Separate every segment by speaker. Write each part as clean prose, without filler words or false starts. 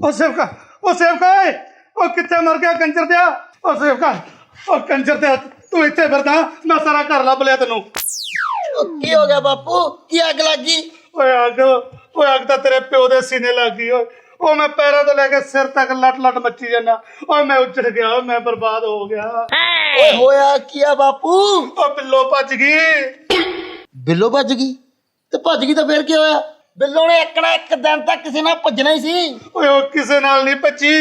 Speaker 1: ओ सेवका, ओ सेवका, ओ कित्थे मर गया कंजर दिया? ओ सेवका, ओ कंजर दिया, तू इत्थे फिरदा, मैं सारा घर लभ लिया तेनू।
Speaker 2: की हो गया बापू? की अग लग गई?
Speaker 1: ओए अग तां तेरे प्यो दे सीने लग गई। ओ मैं पैरों तो लेके सिर तक लट लट मची जाना। ओए मैं उजड़ गया, मैं बर्बाद हो गया।
Speaker 2: ओए होया किया बापू?
Speaker 1: ओ बिल्लो भज गई।
Speaker 2: बिल्लो भज गई? ते भज गई तो फिर की होया? बिल्लो ने एक ना एक दिन तक किसी नाल भजना ही सी।
Speaker 1: ओए ओ किसे नाल नहीं भजी।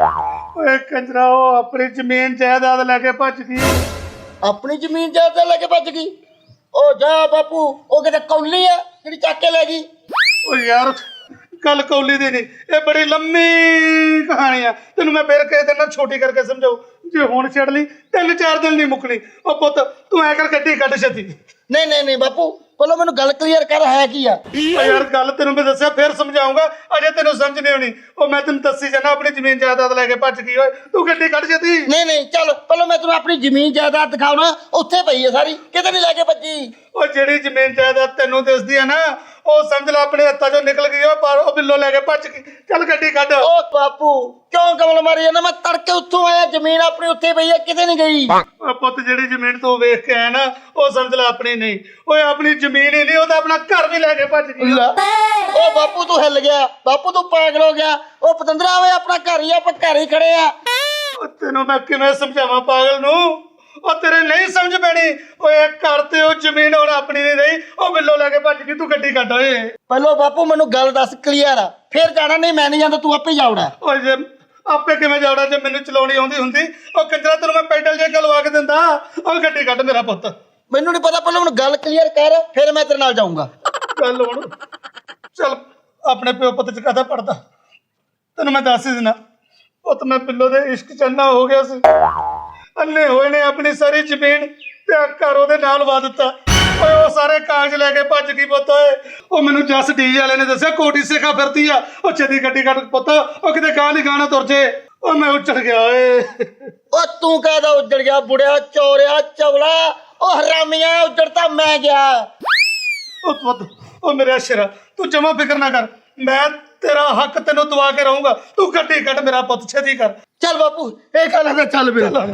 Speaker 1: ओए कंजरा ओ अपनी जमीन जायदाद लेके भज गई।
Speaker 2: अपनी जमीन जायदाद लेके भज गई? ओ जा बापू, ओ किते कौली है जेड़ी चक के ले गई?
Speaker 1: ओ यार गल कौली दी नहीं, ये बड़ी लंबी कहानी है। तेन मैं फिर कह देना छोटी करके समझाऊ। जे हुण छड़ ली 3-4 दिन नहीं मुकनी। ओ पुत तू ऐ कर गड्डी कट छती।
Speaker 2: नहीं नहीं नहीं बापू, पहले मैनू गल क्लीयर कर, है की आ?
Speaker 1: ओ यार गल तेन मैं दस्या फिर समझाऊंगा, अजे तेन समझ नहीं आनी। ओ मैं तेन दसी जाना अपनी जमीन जायदाद लेके भज गई। ओए तू गड्डी कट छती।
Speaker 2: नहीं नहीं चल पहले मैं तेनू अपनी जमीन जायदाद दिखाऊना, उत्थे पई है सारी, किते नहीं लेके भजी।
Speaker 1: ओ जेड़ी जमीन जायदाद तेनू दिसदी है ना, ओ समझ ला अपने हत्थां चों निकल गई। ओ पर ओ बिल्लो लेके भज गई। चल गड्डी कट।
Speaker 2: ओ बापू क्यों कमल मारी जाना? मैं तड़के उत्थों आया, जमीन अपनी उत्थे पई है, किते नहीं गई।
Speaker 1: ओ पुत जेड़ी जमीन तू वेख के आया ना, ओ समझ ला अपनी नहीं। ओए अपनी जमीन ही नहीं, ओ तां अपना घर भी लेके भज गई।
Speaker 2: ओ बापू तू हिल गया, बापू तू पागल हो गया। ओ पतंदरा वे अपना घर ही, आप घर ही खड़े आ।
Speaker 1: ओ तेनों मैं किवें समझावां पागल नू? ओ तेरे नहीं समझ पैनी। ओए घर ते ओ जमीन हुण अपनी नहीं रही। ओ बिल्लो लेके भज गई। तू गड्डी कट। ओए
Speaker 2: पहलो बापू मैनू गल दस क्लियर आ, फिर जाना नहीं, मैं नहीं जांदा, तू आपे जाउड़ा।
Speaker 1: ओए जे आपे किवें जावड़ा जे मैनू चलाउणी आउंदी हुंदी? ओ कंजरा तैनूं मैं पैडल जे लवा के दिंदा। ओ गड्डी कट मेरा पुੱਤ।
Speaker 2: मैनू नहीं पता, पहले मैनू गल क्लियर कर, फिर मैं तेरे नाल जाऊंगा।
Speaker 1: गल हुण चल अपने प्यो पुੱਤ च काहदा पड़दा, तैनूं मैं दस ही दिना। पुੱਤ मैं बिल्लो दे इश्क च अन्ना हो गया सी। अन्ने होए ने अपनी सारी जमीन ते घर ओहदे नाल वा दित्ता। ओए ओ सारे कागज लेके भज गई पुੱਤ। ओए ओ मैनू जस डीजे वाले ने दस्सिया कोटी सिखा फिरदी आ। ओ छेती गड्डी कट पुੱਤ, ओ किते गां नहीं गाना तुर जे। ओ मैं उछड़ गया। ओए
Speaker 2: ओ तू कहदा उजड़ गया बुढ़िया चोरिया चवला? ओ हरामिया उजड़ता मैं गया।
Speaker 1: ओ पुੱਤ ओ मेरे अशरा तू जमा फिक्र ना कर, मैं तेरा हक तेनों दवा के रहूंगा। तू गड्डी कट मेरा पुੱਤ, छेती कर।
Speaker 2: चल बापू एक गल है, चल मेरा।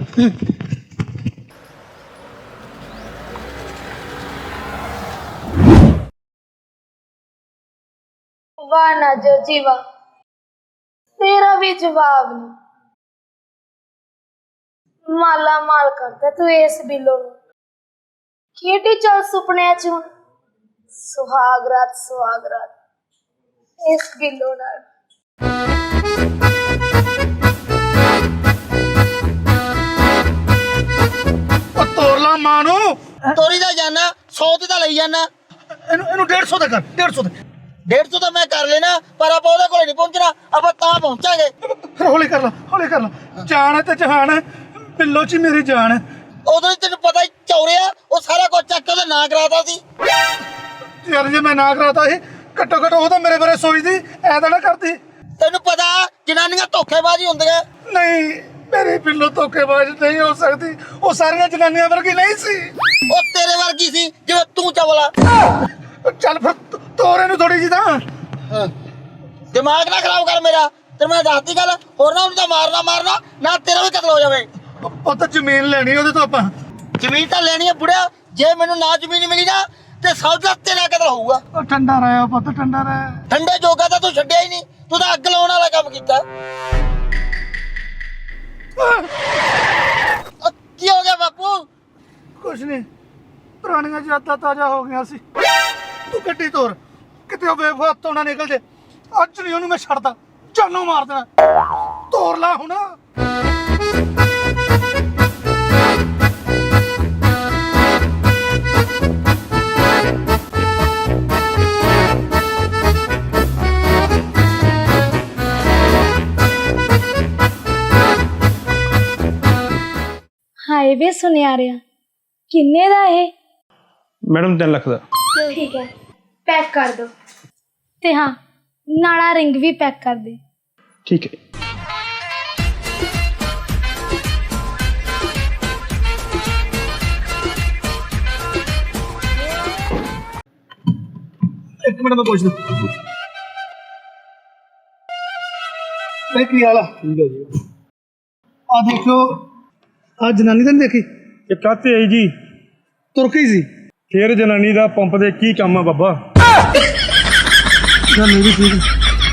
Speaker 3: वाह नाजर जी वाह, तेरा भी जवाब नहीं। माला माल करता तू इस बिल्लो नूं। केटी चल सुपने च हुण सुहाग रात इस बिल्लो नाल।
Speaker 1: ओ तोड़ ला मां नूं।
Speaker 2: तोरी दा जाना 100 ते ता लई जाना।
Speaker 1: ਇਹਨੂੰ 150 ਦਾ ਕਰ, 150 ਦੇ।
Speaker 2: 150 तो मैं कर लेना, पर आप ਉਹਦੇ ਕੋਲ ਨਹੀਂ ਪਹੁੰਚਣਾ, ਆਪਾਂ ਤਾਂ ਪਹੁੰਚਾਂਗੇ।
Speaker 1: ਫਿਰ ਹੌਲੀ ਕਰ ਲਾ, ਹੌਲੀ ਕਰ ਲਾ। ਜਾਨ ਹੈ ਤੇ ਜਹਾਨ ਹੈ, ਬਿੱਲੋ ਚ ਹੀ ਮੇਰੀ ਜਾਨ ਹੈ।
Speaker 2: ਉਦੋਂ ਹੀ ਤੈਨੂੰ ਪਤਾ ਹੀ ਚੌਰਿਆ, ਉਹ ਸਾਰਾ ਕੁਝ ਚੱਕ ਕੇ ਉਹਦਾ ਨਾਂ ਕਰਾਤਾ ਸੀ।
Speaker 1: ਯਾਰ ਜੇ ਮੈਂ ਨਾ ਕਰਾਤਾ ਸੀ, ਘੱਟੋ ਘੱਟ ਉਹ ਤਾਂ ਮੇਰੇ ਬਾਰੇ ਸੋਚਦੀ, ਐ ਤਾਂ ਨਾ ਕਰਦੀ।
Speaker 2: ਤੈਨੂੰ ਪਤਾ ਜਨਾਨੀਆਂ ਧੋਖੇਬਾਜ਼ ਹੁੰਦੀਆਂ।
Speaker 1: ਨਹੀਂ ਮੇਰੀ ਬਿੱਲੋ ਧੋਖੇਬਾਜ਼ ਨਹੀਂ ਹੋ ਸਕਦੀ, ਉਹ ਸਾਰੀਆਂ ਜਨਾਨੀਆਂ ਵਰਗੀ ਨਹੀਂ ਸੀ।
Speaker 2: ਉਹ ਤੇਰੇ ਵਰਗੀ ਸੀ ਜਿਵੇਂ ਤੂੰ ਚਵਲਾ।
Speaker 1: ਚੱਲ ਫਿਰ ਤੋਰੇ ਨੂੰ ਥੋੜੀ ਜੀ ਤਾਂ
Speaker 2: ਦਿਮਾਗ ਨਾ ਖਰਾਬ ਕਰ ਮੇਰਾ, ਤੇ ਮੈਂ ਦੱਸਦੀ ਗੱਲ, ਹੋਰ ਨਾ ਉਹਨੂੰ ਤਾਂ ਮਾਰਨਾ ਨਾ ਤੇਰਾ ਵੀ ਕਤਲ ਹੋ ਜਾਵੇ।
Speaker 1: ਉਹ ਤਾਂ ਜ਼ਮੀਨ ਲੈਣੀ ਉਹਦੇ ਤੋਂ ਆਪਾਂ।
Speaker 2: ਜ਼ਮੀਨ ਤਾਂ ਲੈਣੀ ਹੈ ਬੁੜਿਆ, ਜੇ ਮੈਨੂੰ ਨਾ ਜ਼ਮੀਨ ਮਿਲੀ ਨਾ ਤੇ ਸੌਦਾ ਤੇਰਾ ਕਤਲ ਹੋਊਗਾ।
Speaker 1: ਉਹ ਠੰਡਾ ਰਹਿ ਪੁੱਤ, ਠੰਡਾ ਰਹਿ।
Speaker 2: ਠੰਡੇ ਜੋਗਾ ਤਾਂ ਤੂੰ ਛੱਡਿਆ ਹੀ ਨਹੀਂ, ਤੂੰ ਤਾਂ ਅੱਗ ਲਾਉਣ ਵਾਲਾ ਕੰਮ ਕੀਤਾ। ਕੀ ਹੋ ਗਿਆ ਬਾਪੂ?
Speaker 1: ਕੁਛ ਨਹੀਂ, ਪੁਰਾਣੀਆਂ ਯਾਦਾਂ ਤਾਜ਼ਾ ਹੋ ਗਈਆਂ ਸੀ। ਤੂੰ ਗੱਡੀ ਤੋਰ, ਕਿਤੇ ਉਹ ਬੇਵਫਾ ਹੱਥੋਂ ਨਾ ਨਿਕਲ ਜੇ। ਅੱਜ ਨਹੀਂ ਉਹਨੂੰ ਮੈਂ ਛੱਡਦਾ, ਜਾਨੋਂ ਮਾਰ ਦੇਣਾ। ਤੋਰ ਲਾ ਹੁਣ।
Speaker 3: हाय वे सुनियारिया किन्ने दा है?
Speaker 4: मैडम 3 लाख का।
Speaker 3: ठीक है पैक कर दो, ते हाँ नाला रिंग भी पैक कर दे।
Speaker 4: ठीक है।
Speaker 1: एक मिनट में पूछ लूं। ਇਹ ਕੀ ਹਾਲ ਆ?
Speaker 4: ਠੀਕ ਹੈ ਜੀ।
Speaker 1: ਆ ਦੇਖੋ, ਆ ਜਨਾਨੀ ਤਾਂ ਨੀ ਦੇਖੀ?
Speaker 4: ਇਹ ਕਾਹਤੇ ਆਈ ਜੀ?
Speaker 1: ਤੁਰਕੀ ਸੀ।
Speaker 4: ਫੇਰ ਜਨਾਨੀ ਦਾ ਪੰਪ ਦੇ ਕੀ ਕੰਮ ਆ ਬਾਬਾ?
Speaker 1: ਗੱਲ ਇਹ ਵੀ ਠੀਕ ਹੈ।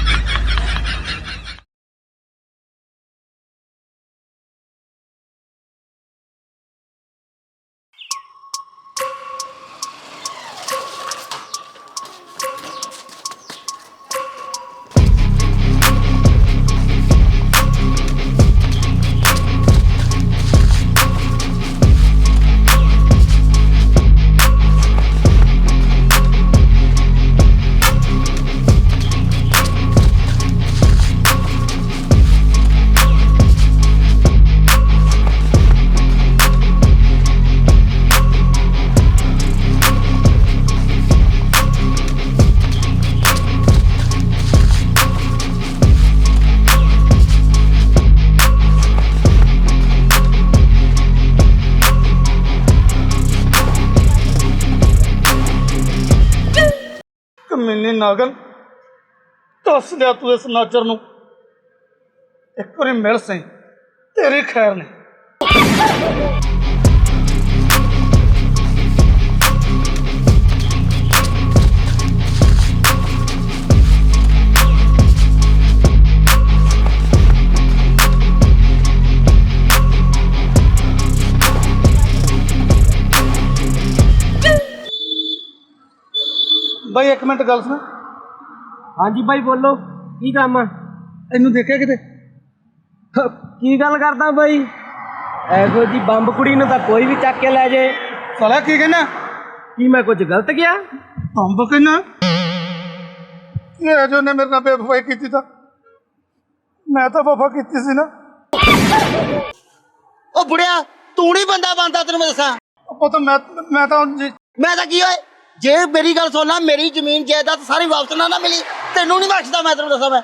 Speaker 1: ਕਮੀਨੀ ਨਾਗਨ, ਦੱਸ ਲਿਆ ਤੂੰ ਇਸ ਨਾਚਰ ਨੂੰ, ਇੱਕ ਵਾਰੀ ਮਿਲ ਸਹੀ, ਤੇਰੀ ਖੈਰ ਨਹੀਂ। ਬਾਈ ਇੱਕ ਮਿੰਟ ਗੱਲ ਸੁਣ।
Speaker 5: ਹਾਂਜੀ ਬਾਈ ਬੋਲੋ, ਕੀ ਕੰਮ ਆ?
Speaker 1: ਇਹਨੂੰ ਦੇਖਿਆ ਕਿਤੇ?
Speaker 5: ਕੀ ਗੱਲ ਕਰਦਾ ਬਾਈ? ਇਹੋ ਜੀ ਬੰਬ ਕੁੜੀ ਨੂੰ ਤਾਂ ਕੋਈ ਵੀ ਚੱਕ ਕੇ ਲੈ ਜੇ।
Speaker 1: ਸਾਲਾ ਕੀ ਕਹਿਣਾ?
Speaker 5: ਕੀ ਮੈਂ ਕੁਝ ਗਲਤ ਕਿਹਾ?
Speaker 1: ਅੰਬ ਕਹਿਣਾ? ਇਹ ਜੋ ਨੇ ਮੇਰੇ ਨਾਲ ਬੇਵਫਾਈ ਕੀਤੀ ਤਾਂ ਮੈਂ ਤਾਂ ਵਫਾ ਕੀਤੀ ਸੀ ਨਾ।
Speaker 2: ਉਹ ਬੁੜਿਆ, ਤੂੰ ਨਹੀਂ ਬੰਦਾ ਬਣਦਾ, ਤੈਨੂੰ ਮੈਂ ਦੱਸਾਂ।
Speaker 1: ਪੁੱਤ ਮੈਂ ਤਾਂ ਜੀ
Speaker 2: ਮੈਂ ਤਾਂ ਕੀ ਹੋਏ, ਜੇ ਮੇਰੀ ਗੱਲ ਸੁਣ ਲਾ, ਮੇਰੀ ਜ਼ਮੀਨ ਜਾਇਦਾਦ ਸਾਰੀ ਵਾਪਸ ਨਾ ਮਿਲੀ, ਤੈਨੂੰ ਨਹੀਂ ਬਖਸ਼ਦਾ ਮੈਂ, ਤੈਨੂੰ ਦੱਸਾਂ ਮੈਂ।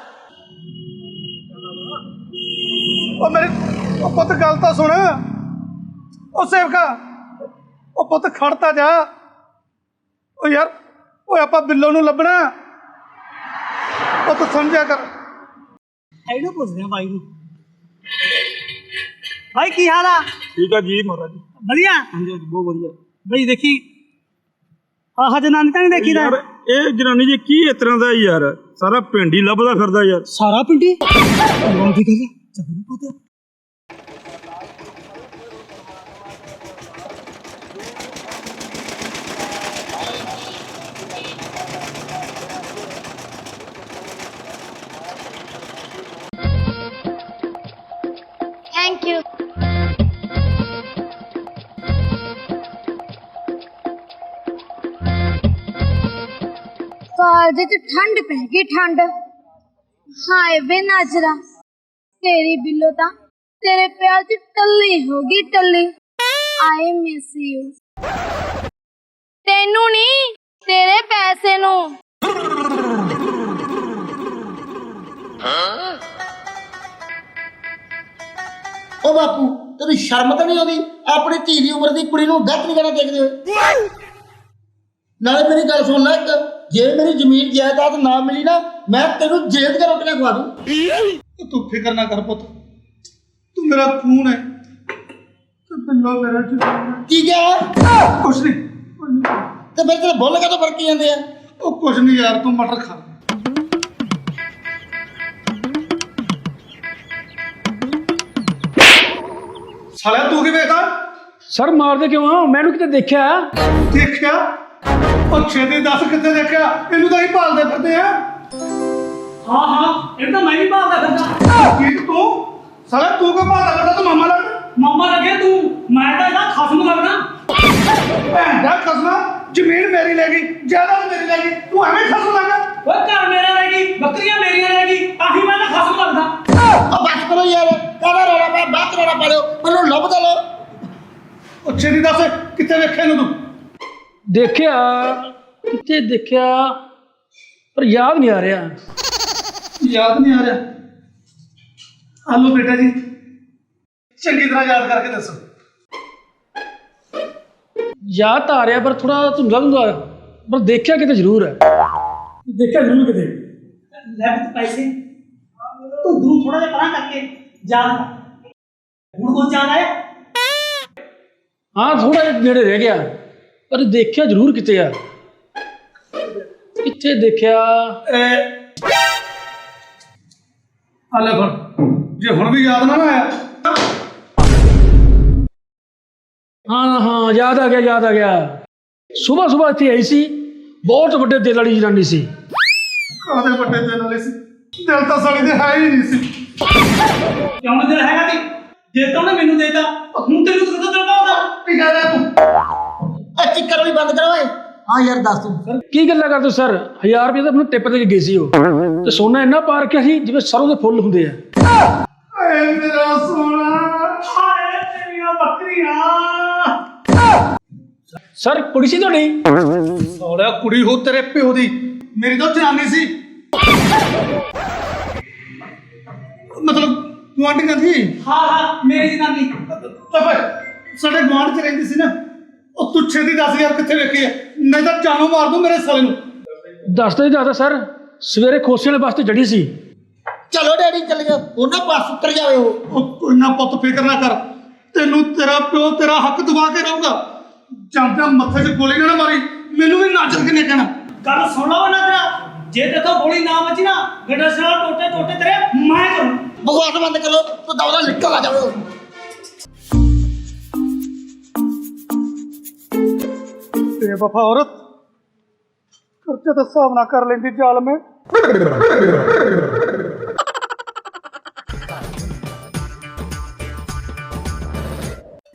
Speaker 1: ਉਹ ਪੁੱਤ ਗੱਲ ਤਾਂ ਸੁਣ। ਉਹ ਸੇਵਕਾ, ਉਹ ਪੁੱਤ ਖੜਤਾ ਜਾ। ਉਹ ਯਾਰ, ਓਏ ਆਪਾਂ ਬਿੱਲੋ ਨੂੰ ਲੱਭਣਾ। ਉਹ ਤੂੰ ਸਮਝਿਆ ਕਰ।
Speaker 5: ਇਹਨੂੰ ਪੁੱਛਦੇ ਆ ਬਾਈ ਨੂੰ। ਬਾਈ ਕੀ ਹਾਲ ਆ?
Speaker 4: ਠੀਕ ਆ ਜੀ ਮਹਾਰਾਜ।
Speaker 5: ਵਧੀਆ?
Speaker 4: ਹਾਂਜੀ ਬਹੁਤ ਵਧੀਆ।
Speaker 5: ਬਾਈ ਦੇਖੀ ਆਹ ਜਨਾਨੀ ਤਾਂ ਨਹੀਂ ਦੇਖੀ ਦਾ?
Speaker 4: ਯਾਰ ਇਹ ਜਨਾਨੀ ਜੀ ਕੀ ਇਸ ਤਰ੍ਹਾਂ ਦਾ ਯਾਰ, ਸਾਰਾ ਪਿੰਡ ਹੀ ਲੱਭਦਾ ਫਿਰਦਾ ਯਾਰ।
Speaker 5: ਸਾਰਾ ਪਿੰਡੀ ਦੀ ਗੱਲ ਚੱਲ ਪਤਾ।
Speaker 3: Thank you. कालज च ठंड पै गई, ठंड। हाय वे नाजरा, तेरी बिल्लो ता तेरे प्यार च टल्ली होगी, टल्ली। I miss you. तेनू नी, तेरे पैसे नू।
Speaker 2: ਉਹ ਬਾਪੂ, ਤੈਨੂੰ ਸ਼ਰਮ ਤਾਂ ਨਹੀਂ ਆਉਂਦੀ? ਆਪਣੀ ਧੀ ਦੀ ਉਮਰ ਦੀ ਕੁੜੀ ਨੂੰ ਡੈਥ ਨਹੀਂ ਕਰਨਾ ਦੇਖਦੇ ਹੋਏ। ਨਾਲੇ ਮੇਰੀ ਗੱਲ ਸੁਣ ਲੈ, ਜੇ ਮੇਰੀ ਜ਼ਮੀਨ ਜਾਇਦਾਦ ਨਾ ਮਿਲੀ ਨਾ, ਮੈਂ ਤੈਨੂੰ ਜੇਲ੍ਹ ਦੀਆਂ ਰੋਟੀਆਂ ਖਵਾ ਦੂੰ।
Speaker 1: ਤੂੰ ਫਿਕਰ ਨਾ ਕਰ ਪੁੱਤ, ਤੂੰ ਮੇਰਾ ਖੂਨ ਹੈ ਤੇ ਬਿੱਲੋ ਮੇਰਾ ਜੀਵਨ।
Speaker 2: ਕੀ ਕਿਹਾ?
Speaker 1: ਕੁਛ ਨਹੀਂ।
Speaker 2: ਤੇ ਮੇਰੇ ਤੇਰੇ ਬੁੱਲ ਕਾਹਤੋਂ ਫਰਕੀ ਜਾਂਦੇ ਆ?
Speaker 1: ਉਹ ਕੁਛ ਨਹੀਂ ਯਾਰ, ਤੂੰ ਮਟਰ ਖਾ। ਸਾਲਿਆ ਤੂੰ ਕੀ ਵੇਖਦਾ?
Speaker 5: ਸਰ ਮਾਰਦੇ ਕਿਉਂ ਆ? ਮੈਨੂੰ ਕਿਤੇ ਦੇਖਿਆ?
Speaker 1: ਦੇਖਿਆ? ਉਹ ਛੇਤੀ ਦੱਸ ਕਿੱਥੇ ਦੇਖਿਆ? ਇਹਨੂੰ ਤਾਂ ਹੀ ਭਾਲਦੇ ਫਿਰਦੇ ਆ।
Speaker 5: ਹਾਂ ਇਹ ਤਾਂ ਮੈਂ ਵੀ ਭਾਲਦਾ ਫਿਰਦਾ।
Speaker 1: ਕੀ ਤੂੰ? ਸਾਲਿਆ ਤੂੰ ਕਿਉਂ ਭਾਲਦਾ ਫਿਰਦਾ? ਤੂੰ ਮਾਮਾ ਲੱਗਦਾ।
Speaker 5: ਮਾਮਾ ਲੱਗੇ ਤੂੰ, ਮੈਂ ਤਾਂ ਇਹਦਾ ਖਸਮ ਲੱਗਦਾ।
Speaker 1: ਭੈਣ ਦਾ ਖਸਮਾ, ਜ਼ਮੀਨ ਮੇਰੀ ਲੈ ਗਈ, ਜਾਇਦਾਦ ਮੇਰੀ ਲੈ ਗਈ, ਤੂੰ ਐਵੇਂ ਖਸਮ ਲੱਗਾ?
Speaker 5: ਓਏ ਘਰ ਮੇਰਾ ਰਹਿ ਗਈ, ਬੱਕਰੀਆਂ ਮੇਰੀਆਂ ਰਹਿ ਗਈ, ਤਾਂ ਹੀ ਮੈਂ ਤਾਂ ਖਸਮ ਲੱਗਦਾ।
Speaker 2: ਉਹ ਬਸ ਕਰੋ ਯਾਰ, ਕਾਹਦਾ ਰੌਲਾ ਪਿਆ? ਬਾਤ ਰੌਲਾ ਪਾ ਲਿਓ, ਮੈਨੂੰ ਲੱਭਦਾ ਲਓ।
Speaker 1: ਉਹ ਛੇਤੀ ਦੱਸ ਕਿੱਥੇ ਵੇਖਿਆ ਇਹਨੂੰ ਤੂੰ?
Speaker 5: ਦੇਖਿਆ ਕਿਤੇ ਦੇਖਿਆ, ਪਰ ਯਾਦ ਨਹੀਂ ਆ ਰਿਹਾ।
Speaker 1: ਯਾਦ ਨਹੀਂ ਆ ਰਿਹਾ? ਆਲੋ ਬੇਟਾ ਜੀ, ਚੰਗੀ ਤਰ੍ਹਾਂ ਯਾਦ ਕਰਕੇ ਦੱਸੋ।
Speaker 5: ਯਾਦ ਤਾਂ ਆ ਰਿਹਾ ਪਰ ਥੋੜਾ ਧੁੰਦਲਾ ਧੁੰਦਲਾ, ਪਰ ਦੇਖਿਆ ਕਿਤੇ ਜ਼ਰੂਰ ਹੈ। ਦੇਖਿਆ ਜ਼ਰੂਰ ਕਿਤੇ। ਲੈ ਪੈਸੇ।
Speaker 1: ਤੂੰ
Speaker 6: ਦੂਰ ਥੋੜਾ ਜਿਹਾ ਪਰਾਂ ਕਰਕੇ ਯਾਦ ਕਰ। ਹੁਣ ਕੋਈ ਯਾਦ ਆਇਆ?
Speaker 7: ਹਾਂ ਥੋੜਾ ਜਿਹਾ ਨੇੜੇ ਰਹਿ ਗਿਆ, ਪਰ ਦੇਖਿਆ ਜ਼ਰੂਰ ਕਿਤੇ ਆ। ਕਿੱਥੇ ਦੇਖਿਆ?
Speaker 1: ਲੈ ਫੜ, ਜੇ ਹੁਣ ਵੀ ਯਾਦ ਨਾ ਆਇਆ
Speaker 7: ਹਾਂ ਹਾਂ ਯਾਦ ਆ ਗਿਆ, ਯਾਦ ਆ ਗਿਆ। ਸਵੇਰ ਸਵੇਰ ਇੱਥੇ ਆਈ ਸੀ, ਬਹੁਤ ਵੱਡੇ ਦਿਲ ਵਾਲੀ ਜਨਾਨੀ ਸੀ।
Speaker 1: ਕਾਹਦੇ ਵੱਡੇ ਦਿਲ ਵਾਲੇ ਸੀ, ਦਿਲ ਤਾਂ ਸਾਡੀ ਦੇ ਹੈ ਹੀ ਨਹੀਂ ਸੀ।
Speaker 6: ਕਿਉਂ ਨੀ ਦਿਲ ਹੈਗਾ ਸੀ? ਜੇ ਤਾਂ ਉਹਨੇ ਮੈਨੂੰ ਦੇਤਾ ਹੁਣ ਤੈਨੂੰ ਕਿੱਥੋਂ ਦਿਲ ਪਾਉਂਦਾ?
Speaker 1: ਕੀ ਕਹਿ ਰਿਹਾ ਤੂੰ?
Speaker 2: ਇਹ ਚਿੱਕਰ ਵੀ ਬੰਦ ਕਰੋ ਓਏ। ਹਾਂ ਯਾਰ ਦੱਸ ਤੂੰ।
Speaker 7: ਕੀ ਗੱਲਾਂ ਕਰਦੇ ਹੋ ਸਰ? 1000 ਰੁਪਏ ਤਾਂ ਮੈਨੂੰ ਟਿੱਪ ਦੇ ਕੇ ਗਏ ਸੀ ਉਹ, ਤੇ ਸੋਨਾ ਇੰਨਾ ਪਾ ਰੱਖਿਆ ਸੀ ਜਿਵੇਂ ਸਰੋਂ ਦੇ ਫੁੱਲ ਹੁੰਦੇ ਆ।
Speaker 1: ਏ ਮੇਰਾ ਸੋਨਾ,
Speaker 6: ਹਾਏ ਤੇਰੀਆਂ ਬੱਕਰੀਆਂ।
Speaker 7: ਸਰ ਕੁੜੀ ਸੀ ਤੁਹਾਡੀ?
Speaker 1: ਸੋਹਣਾ ਕੁੜੀ ਹੋ ਤੇਰੇ ਪਿਓ ਦੀ, ਮੇਰੀ ਤਾਂ ਜਨਾਨੀ ਸੀ। ਮਤਲਬ ਗੁਆਂਢੀਆਂ ਦੀ।
Speaker 6: ਹਾਂ ਮੇਰੀ ਜਨਾਨੀ।
Speaker 1: ਪਾਪਾ ਸਾਡੇ ਗੁਆਂਢ ਚ ਰਹਿੰਦੀ ਸੀ ਨਾ, ਉਹ ਤੂੰ ਛੇਤੀ ਦੱਸ ਯਾਰ ਕਿੱਥੇ ਵੇਖੀ ਹੈ, ਨਹੀਂ ਤਾਂ ਜਾਨੋਂ ਮਾਰ ਦੂੰ ਮੇਰੇ ਸਾਲੇ ਨੂੰ।
Speaker 7: ਦੱਸਦਾ ਹੀ ਦੱਸਦਾ ਸਰ, ਸਵੇਰੇ ਖੋਸੇ ਵਾਲੇ ਬੱਸ ਤੇ ਚੜੀ ਸੀ।
Speaker 2: ਚਲੋ ਡੈਡੀ ਚੱਲ ਜਾ, ਉਹਨਾਂ ਪਾਸ ਉਤਰ ਜਾਵੇ ਉਹ।
Speaker 1: ਉਹ ਕੋਈ ਨਾ ਪੁੱਤ ਫਿਕਰ ਨਾ ਕਰ, ਤੈਨੂੰ ਤੇਰਾ ਪਿਓ ਤੇਰਾ ਹੱਕ ਦਵਾ ਕੇ ਰਹੂਗਾ। ਜਾਂਦਾ ਮੱਥੇ 'ਚ ਗੋਲੀ ਨਾ ਮਾਰੀ, ਮੈਨੂੰ ਵੀ ਨਾਚਰ ਕਿਨੇ ਕਹਿਣਾ।
Speaker 6: ਗੱਲ ਸੁਣ ਲਓ ਨਾ ਤੇਰਾ, ਜੇ ਤੇਥੋਂ ਗੋਲੀ ਨਾ ਵੱਜੀ ਨਾ ਗੱਡਾ ਸਾਲਾ ਟੋਟੇ ਟੋਟੇ ਤੇਰੇ ਮੈਂ ਕਰੂੰ।
Speaker 2: ਬਕਵਾਸ ਬੰਦ ਕਰੋ, ਤੂੰ ਦੌੜਾ ਨਿਕਲ ਆ ਜਾਵੇ ਉਹ।
Speaker 1: ਬੇਵਫਾ ਔਰਤ, ਖਰਚੇ ਦਾ ਹਿਸਾਬ ਨਾ ਕਰ ਲੈਂਦੀ ਜ਼ਾਲਮੇ।